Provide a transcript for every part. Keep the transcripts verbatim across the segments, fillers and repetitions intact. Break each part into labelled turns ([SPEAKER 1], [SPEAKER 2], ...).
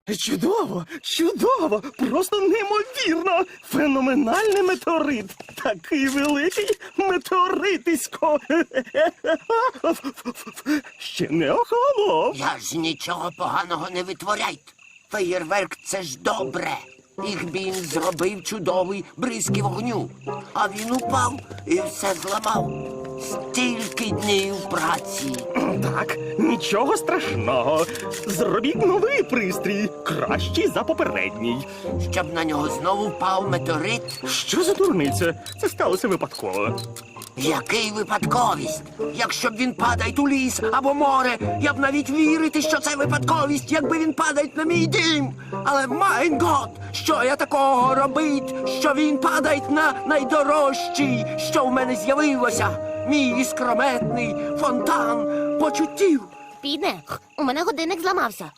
[SPEAKER 1] Чудово, чудово, просто неймовірно. Феноменальний метеорит. Такий великий метеоритисько. Ще не охолонув.
[SPEAKER 2] Я ж нічого поганого не витворяйте. Феєрверк – це ж добре. Ігбін зробив чудовий бризки вогню. А він упав і все зламав. Стільки днів праці.
[SPEAKER 1] Так, нічого страшного. Зробіть новий пристрій, кращий за попередній.
[SPEAKER 2] Щоб на нього знову впав метеорит.
[SPEAKER 1] Що за дурниця? Це сталося випадково.
[SPEAKER 2] Який випадковість? Якщо б він падає у ліс або море, я б навіть вірити, що це випадковість, якби він падає на мій дім. Але, майн гот, що я такого робить, що він падає на найдорожчий, що в мене з'явилося? Мій іскрометний фонтан почуттів.
[SPEAKER 3] Піде, у мене годинник зламався.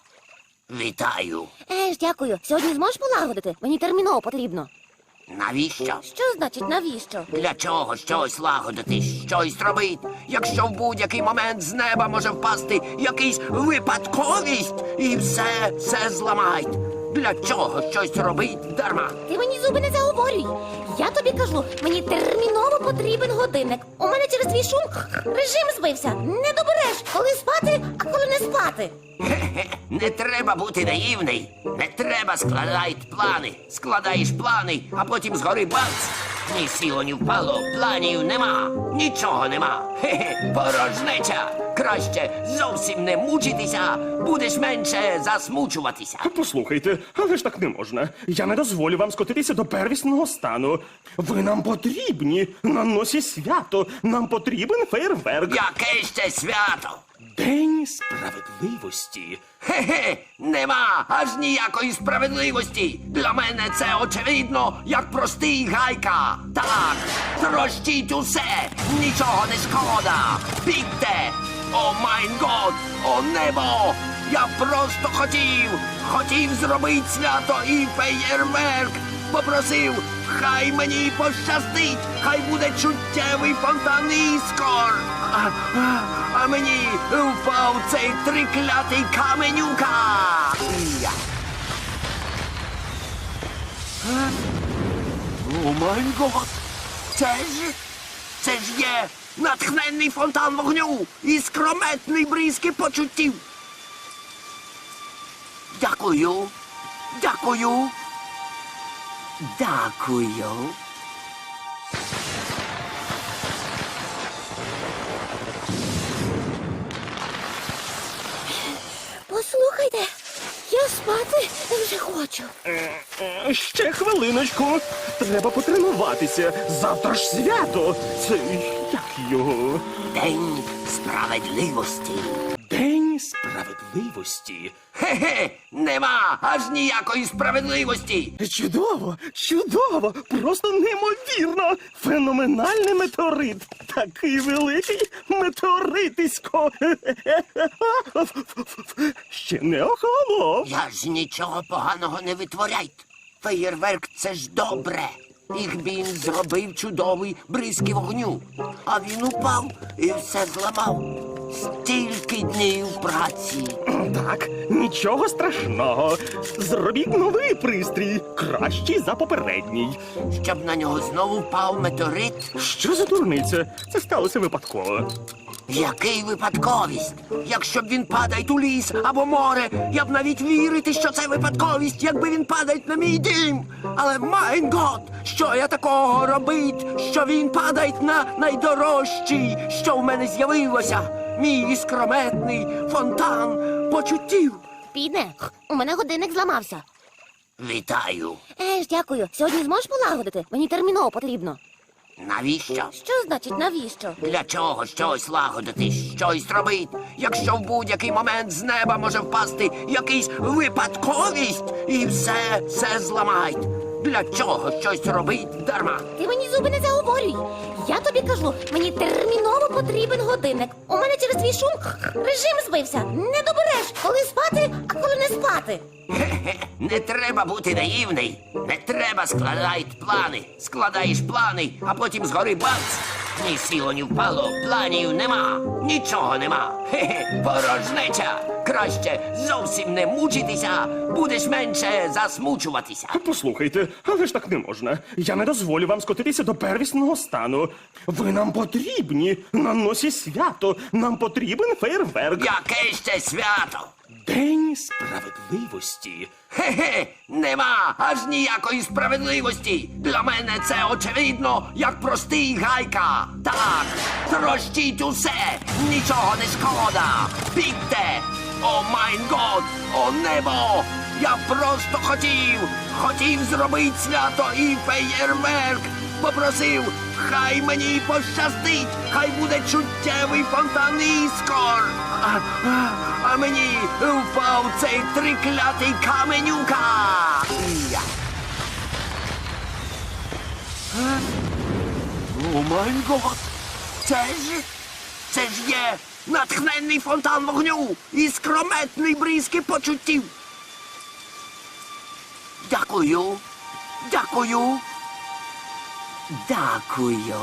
[SPEAKER 2] Вітаю.
[SPEAKER 3] Еж, дякую. Сьогодні зможеш полагодити? Мені терміново потрібно.
[SPEAKER 2] Навіщо?
[SPEAKER 3] Що значить навіщо?
[SPEAKER 2] Для чого щось лагодити, щось робити, якщо в будь-який момент з неба може впасти якийсь випадковість і все, все зламають? Для чого щось робить дарма?
[SPEAKER 3] Ти мені зуби не заговорюй. Я тобі кажу, мені терміново потрібен годинник. У мене через твій шум режим збився. Не добереш, коли спати, а коли не спати.
[SPEAKER 2] Хе-хе, не треба бути наївний. Не треба складати плани. Складаєш плани, а потім згори бац. Ні сіло, ні впало, планів нема. Нічого нема. Хе-хе, порожнеча. Краще зовсім не мучитися, будеш менше засмучуватися.
[SPEAKER 1] Послухайте, але ж так не можна. Я не дозволю вам скотитися до первісного стану. Ви нам потрібні. На носі свято. Нам потрібен фейерверк.
[SPEAKER 2] Яке ще свято?
[SPEAKER 1] День справедливості.
[SPEAKER 2] Хе-хе, нема аж ніякої справедливості. Для мене це очевидно, як простий гайка. Так, трощіть усе, нічого не шкода. Бігте! О майн год, о небо! Я просто хотів, хотів зробити свято і феєрверк. Попросив, хай мені пощастить, хай буде чуттєвий фонтан іскор. А, а, а мені впав цей триклятий каменюка. Я. Е? О май гот! Це ж, це ж є натхненний фонтан вогню і скрометний бризки почуттів. Дякую, дякую, дякую.
[SPEAKER 3] Послухайте, я спати вже хочу.
[SPEAKER 1] Е, Ще хвилиночку. Треба потренуватися. Завтра ж свято. Це як його?
[SPEAKER 2] День справедливості.
[SPEAKER 1] День справедливості.
[SPEAKER 2] Хе-хе, нема аж ніякої справедливості.
[SPEAKER 1] Чудово, чудово, просто неймовірно. Феноменальний метеорит. Такий великий метеоритисько. Ще не охолонув.
[SPEAKER 2] Я ж нічого поганого не витворяйте. Феєрверк – це ж добре. Ігбін зробив чудовий бризки вогню. А він упав і все зламав. Стільки днів праці.
[SPEAKER 1] Так, нічого страшного. Зробіть новий пристрій, кращий за попередній.
[SPEAKER 2] Щоб на нього знову впав метеорит.
[SPEAKER 1] Що за дурниця? Це сталося випадково.
[SPEAKER 2] Який випадковість? Якщо б він падає у ліс або море, я б навіть вірити, що це випадковість, якби він падає на мій дім. Але, майн гот, що я такого робить, що він падає на найдорожчий, що в мене з'явилося? Мій іскрометний фонтан почуттів.
[SPEAKER 3] Піде, у мене годинник зламався.
[SPEAKER 2] Вітаю.
[SPEAKER 3] Еж, дякую. Сьогодні зможеш полагодити? Мені терміново потрібно.
[SPEAKER 2] Навіщо?
[SPEAKER 3] Що значить навіщо?
[SPEAKER 2] Для чого щось лагодити, щось робити, якщо в будь-який момент з неба може впасти якийсь випадковість і все, все зламають? Для чого щось робить дарма?
[SPEAKER 3] Ти мені зуби не заговорюй. Я тобі кажу, мені терміново потрібен годинник. У мене через твій шум режим збився. Не добереш, коли спати, а коли не спати.
[SPEAKER 2] Хе-хе, не треба бути наївний. Не треба складати плани. Складаєш плани, а потім згори бац. Ні сіло, ні впало, планів нема, нічого нема. Хе-хе, порожнеча. Краще зовсім не мучитися, будеш менше засмучуватися.
[SPEAKER 1] Послухайте, але ж так не можна. Я не дозволю вам скотитися до первісного стану. Ви нам потрібні на носі свято. Нам потрібен фейерверк.
[SPEAKER 2] Яке ще свято?
[SPEAKER 1] День справедливості.
[SPEAKER 2] Хе-хе, нема аж ніякої справедливості. Для мене це очевидно, як простий гайка. Так, трощіть усе, нічого не шкода. Бігте! О майн год, о небо! Я просто хотів, хотів зробити свято і феєрверк. Попросив, хай мені пощастить, хай буде чуттєвий фонтан іскор. А, а, а мені впав цей триклятий каменюка. Я. Е? О май гот! Це ж, це ж є натхненний фонтан вогню і скрометний бризки почуттів. Дякую, дякую. Дякую.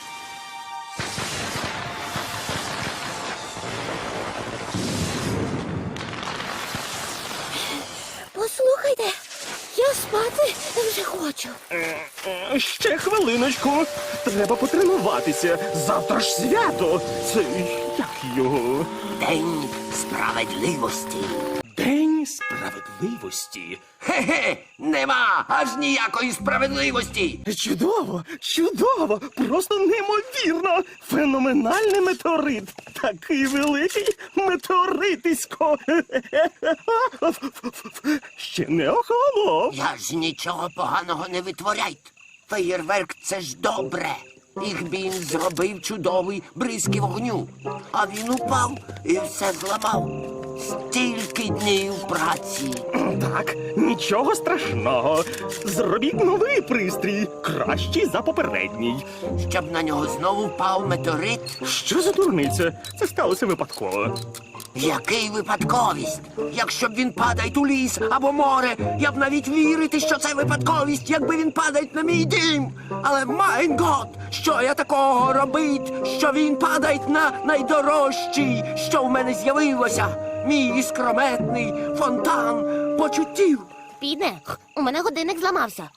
[SPEAKER 3] Послухайте, я спати вже хочу.
[SPEAKER 1] Е, Ще хвилиночку. Треба потренуватися. Завтра ж свято. Це як його?
[SPEAKER 2] День справедливості.
[SPEAKER 1] День справедливості.
[SPEAKER 2] Хе-хе, нема аж ніякої справедливості.
[SPEAKER 1] Чудово, чудово, просто неймовірно. Феноменальний метеорит. Такий великий метеоритисько. Ще не охолонув.
[SPEAKER 2] Я ж нічого поганого не витворяйте. Феєрверк — це ж добре. Їх він зробив чудовий бризки вогню. А він упав і все зламав. Стільки днів праці.
[SPEAKER 1] Так, нічого страшного. Зробіть новий пристрій, кращий за попередній.
[SPEAKER 2] Щоб на нього знову впав метеорит.
[SPEAKER 1] Що за дурниця? Це сталося випадково.
[SPEAKER 2] Який випадковість? Якщо б він падає у ліс або море, я б навіть вірити, що це випадковість, якби він падає на мій дім. Але майн гот, що я такого робить, що він падає на найдорожчий, що в мене з'явилося. Мій іскрометний фонтан почуттів.
[SPEAKER 3] Піде, у мене годинник зламався.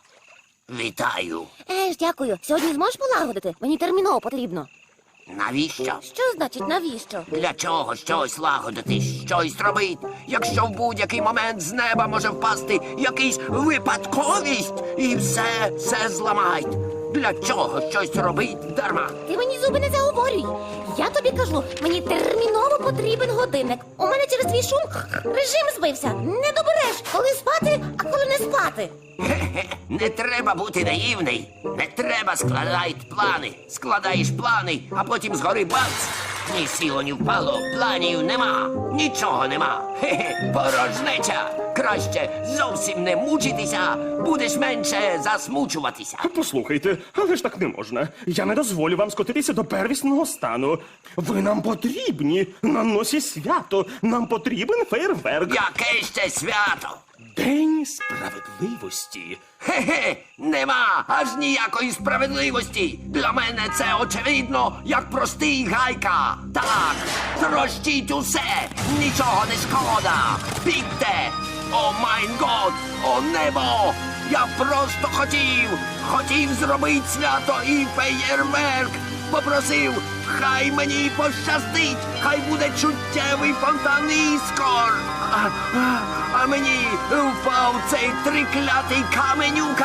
[SPEAKER 2] Вітаю.
[SPEAKER 3] Еж, дякую. Сьогодні зможеш полагодити? Мені терміново потрібно.
[SPEAKER 2] Навіщо?
[SPEAKER 3] Що значить навіщо?
[SPEAKER 2] Для чого щось лагодити, щось робити, якщо в будь-який момент з неба може впасти якийсь випадковість і все, все зламають. Для чого щось робить дарма?
[SPEAKER 3] Ти мені зуби не заговорюй. Я тобі кажу, мені терміново потрібен годинник. У мене через твій шум режим збився. Не добереш, коли спати, а коли не спати.
[SPEAKER 2] Хе-хе, не треба бути наївний. Не треба складати плани. Складаєш плани, а потім згори бац. Ні сіло, ні впало, планів нема, нічого нема. Хе-хе, порожнеча. Краще зовсім не мучитися, будеш менше засмучуватися.
[SPEAKER 1] Послухайте, але ж так не можна. Я не дозволю вам скотитися до первісного стану. Ви нам потрібні на носі свято. Нам потрібен фейерверк.
[SPEAKER 2] Яке ще свято?
[SPEAKER 1] День справедливості.
[SPEAKER 2] Хе-хе, нема аж ніякої справедливості. Для мене це очевидно, як простий гайка. Так, трощіть усе, нічого не шкода. Бігте! О майн год, о небо! Я просто хотів, хотів зробити свято і феєрверк. Попросив, хай мені пощастить, хай буде чуттєвий фонтан іскор. А, а, а мені впав цей триклятий каменюка.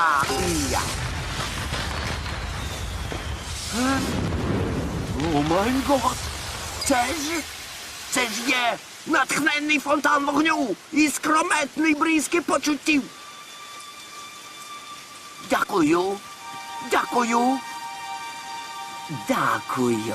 [SPEAKER 2] Я. Е? О май гот! Це ж, це ж є натхненний фонтан вогню і скрометний бризки почуттів. Дякую, дякую. Дякую.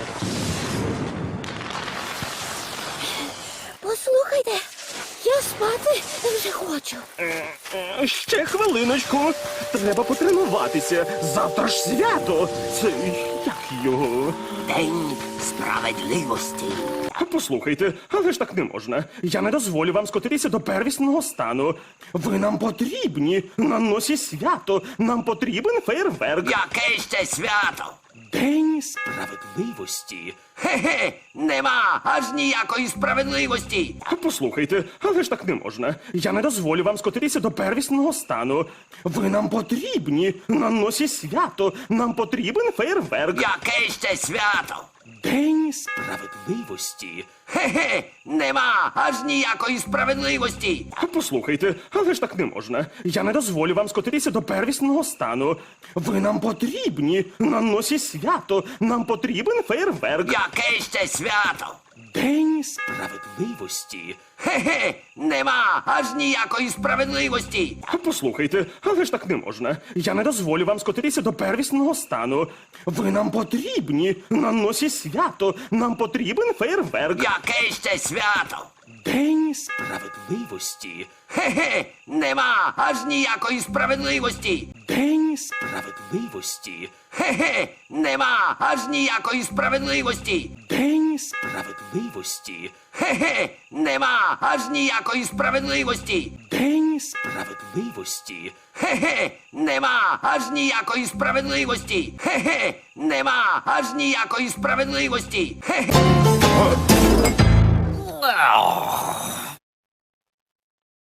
[SPEAKER 3] Послухайте, я спати Спати вже хочу.
[SPEAKER 1] Е, Ще хвилиночку. Треба потренуватися. Завтра ж свято. Це як його?
[SPEAKER 2] День справедливості.
[SPEAKER 1] Послухайте, але ж так не можна. Я не дозволю вам скотитися до первісного стану. Ви нам потрібні. На носі свято. Нам потрібен фейерверк.
[SPEAKER 2] Яке ще свято?
[SPEAKER 1] День справедливості.
[SPEAKER 2] Хе-хе, нема аж ніякої справедливості.
[SPEAKER 1] Послухайте, але ж так не можна. Я не дозволю вам скотитися до первісного стану. Ви нам потрібні. На носі свято. Нам потрібен фейерверк.
[SPEAKER 2] Яке ще свято?
[SPEAKER 1] День справедливості.
[SPEAKER 2] Хе-хе, нема аж ніякої справедливості.
[SPEAKER 1] Послухайте, але ж так не можна. Я не дозволю вам скотитися до первісного стану. Ви нам потрібні. На носі свято. Нам потрібен фейерверк.
[SPEAKER 2] Яке ще свято?
[SPEAKER 1] День справедливості.
[SPEAKER 2] Хе-хе, нема аж ніякої справедливості.
[SPEAKER 1] Послухайте, але ж так не можна. Я не дозволю вам скотитися до первісного стану. Ви нам потрібні. На носі свято. Нам потрібен фейерверк.
[SPEAKER 2] Яке ще свято?
[SPEAKER 1] День справедливості.
[SPEAKER 2] Хе-хе, нема аж ніякої справедливості.
[SPEAKER 1] День справедливості.
[SPEAKER 2] Хе-хе, нема аж ніякої справедливості.
[SPEAKER 1] День справедливості.
[SPEAKER 2] Хе-хе, нема аж ніякої справедливості.
[SPEAKER 1] День справедливості.
[SPEAKER 2] Хе-хе, нема аж ніякої справедливості. Хе-хе, нема аж ніякої справедливості. Хе-хе.